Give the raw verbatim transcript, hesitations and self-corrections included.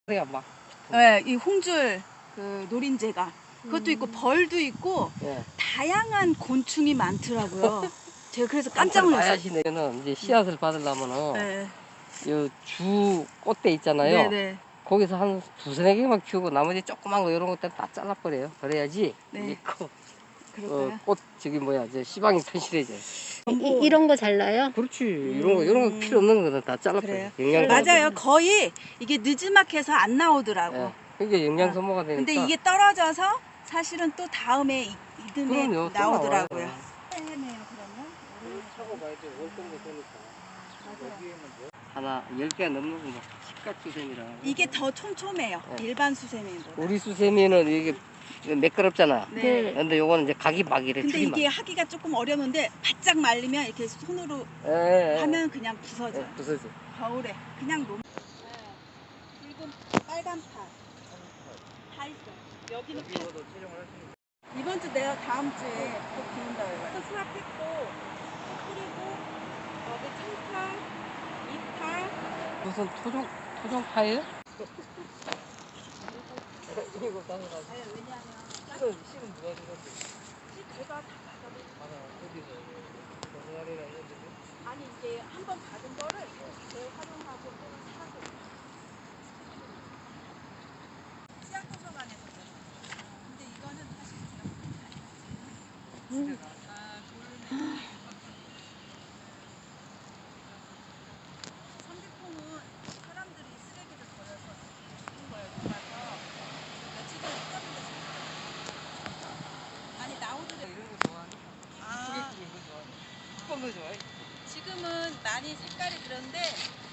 그래야 막. 네, 이 홍줄 그 노린재가 그것도 있고 벌도 있고 예. 다양한 곤충이 많더라고요. 제가 그래서 깜짝 놀랐어요. 하시는 이제 씨앗을 받으려면은 네. 이주 꽃대 있잖아요. 네네. 거기서 한 두세 개만 키우고 나머지 조그만 거 이런 것들 다 잘라버려요. 그래야지 네. 이 꽃, 그럴까요? 어, 꽃 저기 뭐야 저 시방이 튼실해져요. 이, 이런 거 잘라요? 그렇지. 이런 거 이런 거 필요 없는 거는 다 잘라버려요. 그래요? 영양 맞아요. 거의 이게 느지막해서 안 나오더라고. 예. 그게 영양 소모가 되니까. 근데 이게 떨어져서 사실은 또 다음에 이- 이듬해 그럼요, 또 나오더라고요. 나와요. 해네요 그러면. 차고 봐야지 월등도 되니까. 하나 열 개 넘는 거 십각 수세미라. 이게 더 촘촘해요. 네. 일반 수세미보다. 우리 수세미는 이게 매끄럽잖아. 네. 근데 요거는 이제 각이 막 이래. 근데 줄이 막. 이게 하기가 조금 어려운데 바짝 말리면 이렇게 손으로 예, 예. 하면 그냥 부서져요. 예, 부서져. 겨울에 그냥 놓. 붉은 빨간 파. 다 있어요. 여기는 파. 이번 주 내가 다음 주에 또 비운다 그래요. 수확했고 뿌리고 여기 청파, 이파. 무슨 토종 토종 파예요? 이거 따서 다. 네, 왜냐하면 실은 실은 누가 주셨지? 제가 다 받아도 하나 어디서 동아리나 이런 데. 아니 이제 한 번 받은 거를 재활용하고 또는 사고. 씨앗 도서관에서 근데 이거는 사실 제가 음. 아, 돌 삼계통은 사람들이 쓰레기를 버려서 죽은 거예요. 녹아서 며칠 전에 뜯었는데 아니 나오더래. 이런 거 좋아하는 아, 이런 거 좋아하는. 어떤 거 좋아해? 지금은 많이 색깔이 그런데